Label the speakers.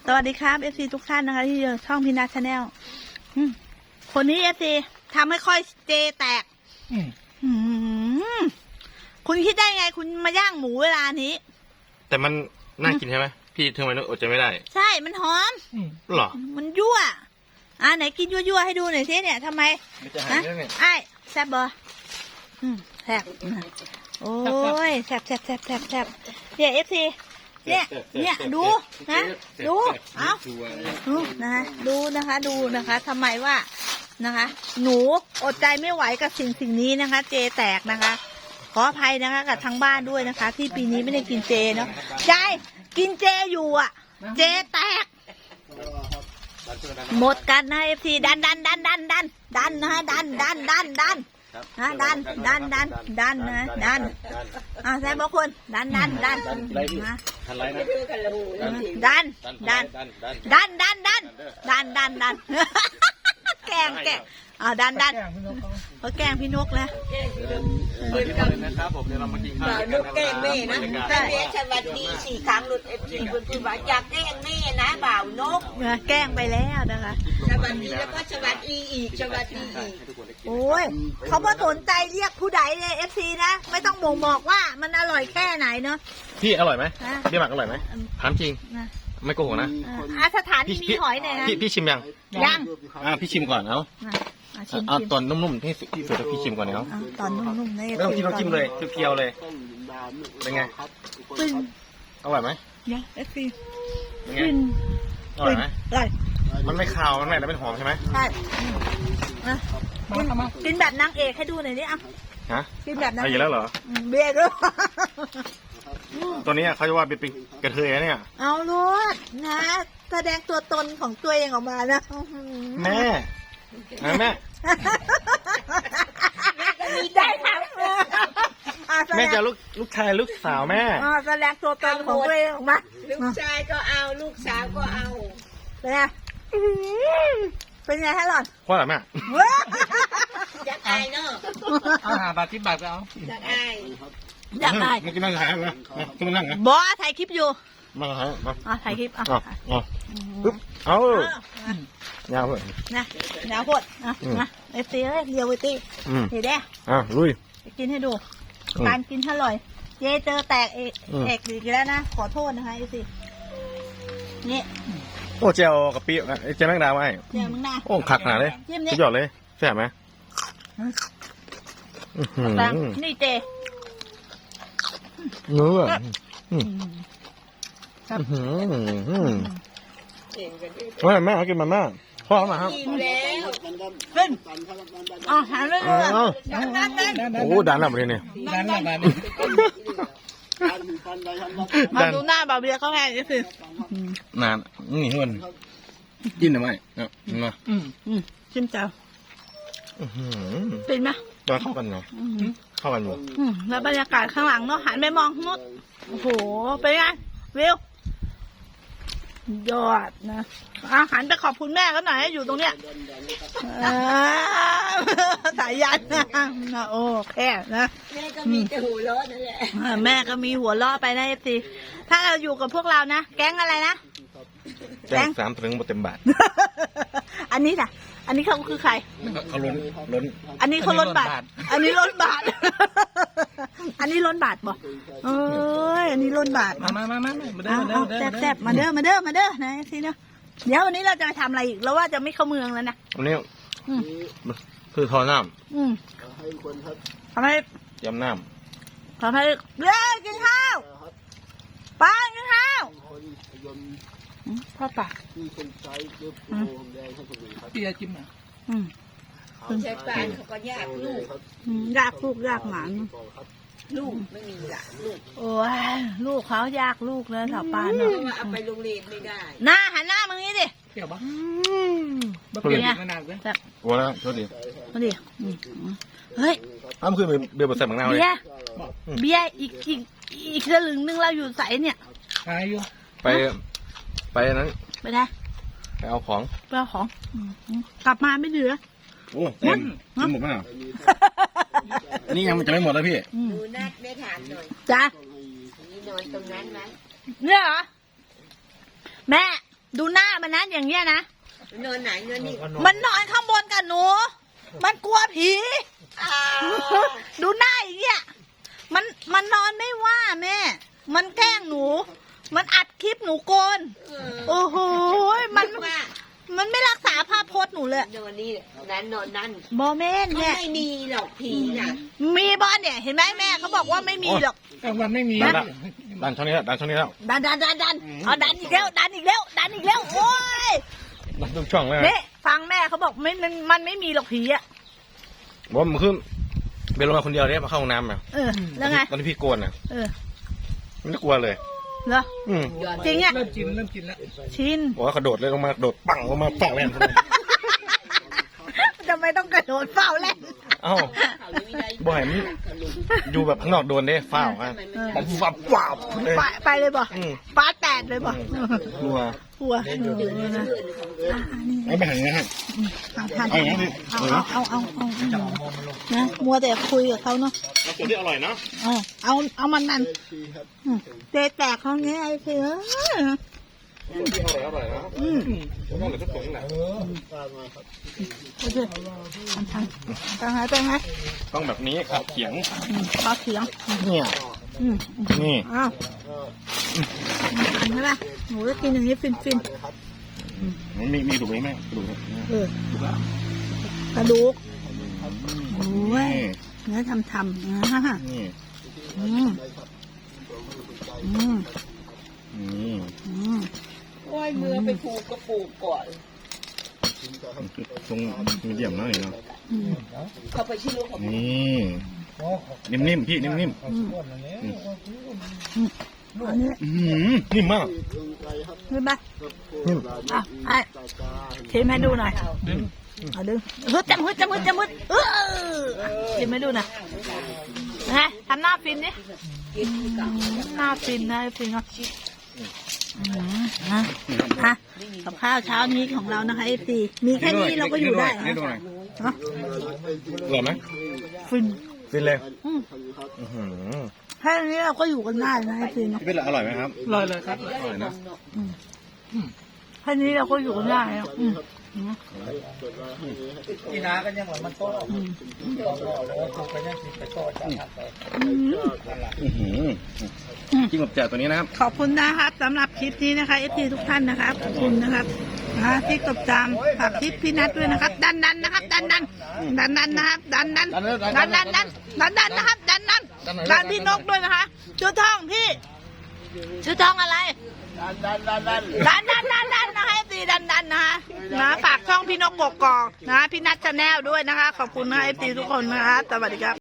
Speaker 1: สวัสดีครับเอฟซีทุกท่านนะคะที่อยู่ช่องพินาชาแนลคนนี้เอฟซีทำให้ค่อยเจแตกคุณคิดได้ไงคุณมาย่างหมูเวลานี้
Speaker 2: แต่มันน่ากินใช่ไหมพี่ทำไมนึกอดใจไม่ได้
Speaker 1: ใช่มันหอม
Speaker 2: หรอ
Speaker 1: มันยั่วไหนกินยั่วให้ดูหน่อยสิเนี่ยทำไมไอ้แซ่บบ่แซ่บโอ้ยแซ่บเนี่ยเอฟซีเนี่ยดูนะดูเอาดูนะคะดูนะคะทำไมว่านะคะหนูอดใจไม่ไหวกับสิ่งนี้นะคะเจแตกนะคะขออภัยนะคะกับทางบ้านด้วยนะคะที่ปีนี้ไม่ได้กินเจเนาะใจกินเจอยู่อ่ะเจแตกหมดกันนะเอฟซีดันนะคะดันนะดันแซ่บบอกคุณดันนะดันแกงดันเขาแกงพี่นกแล้ว
Speaker 2: นะครับผมเดี๋ยวเรามากินข้าวนก
Speaker 3: แกงแม่นะแต่แม่สวัสดี4 ครั้งหลุดFCคุณพูดว่าอยากแกงแม่นะบ่าวนก
Speaker 1: แกงไปแล้วนะคะ
Speaker 3: สวัสดีแล้วก็สวัสดีอีกสวัสดีอีก
Speaker 1: โอ้ยเขาไม่สนใจเรียกผู้ใดเลย FC นะไม่ต้องบอกว่ามันอร่อยแค่ไหนเนาะ
Speaker 2: พี่อร่อยไหมพี่หมักอร่อยไหมถามจริงไม่โกหกนะ
Speaker 1: สถานที่มีหอยเนี่ยนะ
Speaker 2: พี่ชิมยังพี่ชิมก่อนเอาตอนนุ่มๆที่สุดพี่ชิมก่อนเนาะ
Speaker 1: ตอนนุ่มๆ
Speaker 2: ไม่ต้องจิ้มเลยเคี้ยวเลยเป็นไงอร่อยไหม
Speaker 1: เนี่ยเอฟซี
Speaker 2: อร่อยไหมมันไม่คาวมันไม่แล้วเป็นหอมใช่ไหม
Speaker 1: ใช่กินแบบนางเอกให้ดูหน่อยดิกินแบบนางเอก
Speaker 2: อยู่แล้วเหรอ
Speaker 1: เบียร์ด้วย
Speaker 2: ตัวนี้เขาจะว่าเป็นกระเทยเนี่ย
Speaker 1: เอาลูกนะแสดงตัวตนของตัวเองออกมานะ
Speaker 2: แม่
Speaker 1: ได้ทั้ง
Speaker 2: แม่จะลูกชายลูกสาวแม่
Speaker 1: แสดงตัวตนของตัวเองออกมา
Speaker 3: ลูกชายก็เอาลูกสาวก็เอา
Speaker 1: เป็นไงฮะหล่อน
Speaker 2: พ่อหล่ะแม่
Speaker 3: อยากอายเนาะ
Speaker 2: 5 บาท10 บาทก็เอา
Speaker 3: อยากอาย
Speaker 2: ไม่กินนั่งถ่ายนะกินนั่งนะ
Speaker 1: บอสถ่ายคลิปอยู่
Speaker 2: มา
Speaker 1: ถ่ายคลิป
Speaker 2: ปึ๊บเอายาวเลย
Speaker 1: นะยาวโคตรนะเอฟซีเรียวเวตี้เห็นได้
Speaker 2: ลุย
Speaker 1: กินให้ดูการกินอร่อยเจเจอแตกเอกอีกแล้วนะขอโทษนะคะเอฟซีนี่
Speaker 2: โอ้เจลกะปิเจลแมงดาไว้
Speaker 1: เจลแมงดา
Speaker 2: โอ้ขักหนาเลยสุดยอดเลยแซ่บไหม
Speaker 1: นี่เจ
Speaker 2: เนื้อแม่กินมาม่าพ่อมาครับ
Speaker 1: ขึ้นหันเลย
Speaker 2: โอ้ดันแล้วมาเลยเนี่ย
Speaker 1: มาดูหน้าบ่าวเบียร์เขาแค่นี้สิ
Speaker 2: นานนี่หุ่นกินทำไมมา
Speaker 1: ชิมเจ้าเป็นไหม
Speaker 2: ตอนเข้ากันเนาะเข้ากันอยู่
Speaker 1: แล้วบรรยากาศข้างหลังเนาะหันไปมองนู้นโอ้โหเป็นไงวิวยอดนะหันไปขอบคุณแม่เขาหน่อยอยู่ตรงเนี้ยสายยันนะโอ้แค่นะ
Speaker 3: แม่ก็มีแต่หัวล้อนั่นแหละ
Speaker 1: แม่ก็มีหัวล้อไปนะเอฟซีถ้าเราอยู่กับพวกเรานะแก๊งอะไรนะ
Speaker 2: แก๊ง3 ถึงเต็มบาท
Speaker 1: อันนี้น่ะอันนี้เขาคือใคร
Speaker 2: เขาล้น
Speaker 1: อันนี้เขาล้นบาทอันนี้ล้นบาทอันนี้ล้นบาทบ่เอ้ยอันนี้ล้นบาท
Speaker 2: มา
Speaker 1: แซ่บมาเด้อนะสิเนาะเดี๋ยววันนี้เราจะไปทำอะไรอีกแล้วว่าจะไม่เข้าเมืองแล้วนะ
Speaker 2: วันนี้คือทอน้
Speaker 1: ำทำให้
Speaker 2: ยำน้
Speaker 1: ำทำให้เร็วกินข้าวป้ากินข้าวพ่อปาก
Speaker 2: พี่จะจิ้มนะ
Speaker 3: ใช้ปานเขาก็ยากลูก
Speaker 1: ยากหมา
Speaker 3: ลูกไม่มีละลูก
Speaker 1: โอ้ยลูกเขายากลูกเลยสาวปานเนาะ
Speaker 3: เอาไปโรงเรียนไม่ได้
Speaker 1: หน้าหันหน้ามึงนี้ดิ
Speaker 2: เกี่ยวปะ
Speaker 1: เป็นไง
Speaker 2: วัวแล้วโทษดี
Speaker 1: เฮ้ย
Speaker 2: อ้าวคือเบียร์บดใส่หมังนาวเลย
Speaker 1: เบียร์อีกสลึงนึงเราอยู่ใส่เนี่ย
Speaker 2: ไปนั้น
Speaker 1: ไปไหน
Speaker 2: ไปเอาของ
Speaker 1: กลับมาไม่เหลือ
Speaker 2: โอ้หมดมั้ยอันนี้ยังจะไม่หมดแล้วพี่
Speaker 3: ดูนัดไม่ถามหน่อย
Speaker 1: จ้ะ
Speaker 3: นี่นอนตรงนั้นไหม
Speaker 1: เนี่ยเหรอแม่ดูหน้ามันนะอย่างเงี้ยนะ
Speaker 3: นอนไหนนอนนี่
Speaker 1: มันนอนข้างบนกับหนู มันกลัวผี
Speaker 3: อ้าว
Speaker 1: ดูหน้าอย่างเงี้ยมันนอนไม่ว่าแม่ มันแกล้งหนู มันอัดคลิปหนูโกน โอ้โหมันไม่รักษาภาพพจน์หนูเลย
Speaker 3: นอนนี่นั้นนอนนั่น
Speaker 1: บอแม่น
Speaker 3: เขา
Speaker 1: เนี่ย
Speaker 3: ไม่มีหรอกผีน่ะ
Speaker 1: มีบอลเนี่ยเห็นไหมแม่เขาบอกว่าไม่มีหรอก
Speaker 4: มันไม่มี
Speaker 2: ดันช่องนี้แล้วดันช่องนี้แล้ว
Speaker 1: ดันเอาดันอีกแล้วดันอีกแล้วโอ้ย
Speaker 2: ดันทุกช่องเลย
Speaker 1: นี่ฟังแม่เขาบอกมันไม่มีหรอกผีอ่ะ
Speaker 2: บอกว่ามันขึ้นเบลลงมาคนเดียวเนี่ยมาเข้าห้องน้ำอ่ะ
Speaker 1: แล้วไง
Speaker 2: ตอนที่พี่โกนอ่ะ
Speaker 1: มัน
Speaker 2: ไม่กลัวเลย
Speaker 1: เหรอจริงอ่ะ
Speaker 4: เริ่มกินแล้ว
Speaker 1: ชิน
Speaker 2: บอกว่ากระโดดเลยลงมากระโดดปังลงมาปังแรง
Speaker 1: ทำไมต้องกระโดดเฝ้าเล่น
Speaker 2: เอ้าบ่อยมันอยู่แบบข้างนอกโดนได้ฝ้าวอ่ะผมฟับว้าวเลย
Speaker 1: ไปเลยบ่ป้าแตดเลยบ่
Speaker 2: กลัว
Speaker 1: กลัวนะ
Speaker 2: ไม่ไปหันนะครับ
Speaker 1: เอานะมัวแต่คุยกับเขาเนาะ
Speaker 2: แล้วตัวที่อร่อยเนาะ
Speaker 1: เอามันนั่นเตะแตกเขาเงี้ยไอ้เสือ
Speaker 2: ตัวที่อร่อยเนาะผมต้องเหลือทุกตัวนี่แหละ
Speaker 1: โอเคทางไหนไปไหม
Speaker 2: ต้องแบบนี้ครับเขียง
Speaker 1: ปลาเขียง
Speaker 2: เนี่ยนี่
Speaker 1: อ้าวใช่ป่ะหนูจะกินอย่างนี้ฟิน
Speaker 2: มันมีดูไหมแม่ดูไหม
Speaker 1: กระดูกโอ้ยเนื้อทำ
Speaker 2: น
Speaker 1: นะ
Speaker 2: ี่
Speaker 3: โอ้ยมือไปผูกกระปูกก่อน
Speaker 2: ตรงมีเดียมน้อยเนาะ
Speaker 3: เขาไปชื่อลูกของ
Speaker 2: นี่นิ่มๆพี่นิ่มๆ
Speaker 1: อันนี้
Speaker 2: นิ่มมาก
Speaker 1: นี่ป่ะไอ้ชิมให้ดูหน่อยเอาดึงจำมืดชิมให้ดูหน่อยนะทำหน้าฟินดิหน้าฟินนะฟินเนาะกับข้าวเช้านี้ของเรานะคะFTมีแค่นี้เราก็อยู่ได้
Speaker 2: ให้ดูหน่อย
Speaker 1: เนาะ
Speaker 2: อร่อยไหม
Speaker 1: ฟิน
Speaker 2: ฟินเลย
Speaker 1: แค่นี้เราก็อยู่กันได้นะFTเนาะ
Speaker 2: พี่เป็นอร่อยไหมครับ
Speaker 4: ลอยเลยครับ
Speaker 2: อร่อยนะ
Speaker 1: แค่นี้เราก็อยู่กันได้แล้ว
Speaker 4: กีฬากันยังหรอมันโต้ไปยังสิไปโต้จับไป
Speaker 2: จิ้งกับแจ่วตัวนี้นะครับ
Speaker 1: ขอบคุณนะครับสำหรับคลิปนี้นะคะFTทุกท่านนะครับขอบคุณนะครับที่กดตามฝากคลิปพี่นัทด้วยนะครับดันนะครับดันนะครับดันนะครับดันพี่นกด้วยนะคะชื่อท่องพี่ชื่อท่องอะไรดันนะคะFTดันนะคะฝากช่องพี่นกกกอกนะพี่นัทชาแนลด้วยนะคะขอบคุณนะFTทุกคนนะคะสวัสดีครับ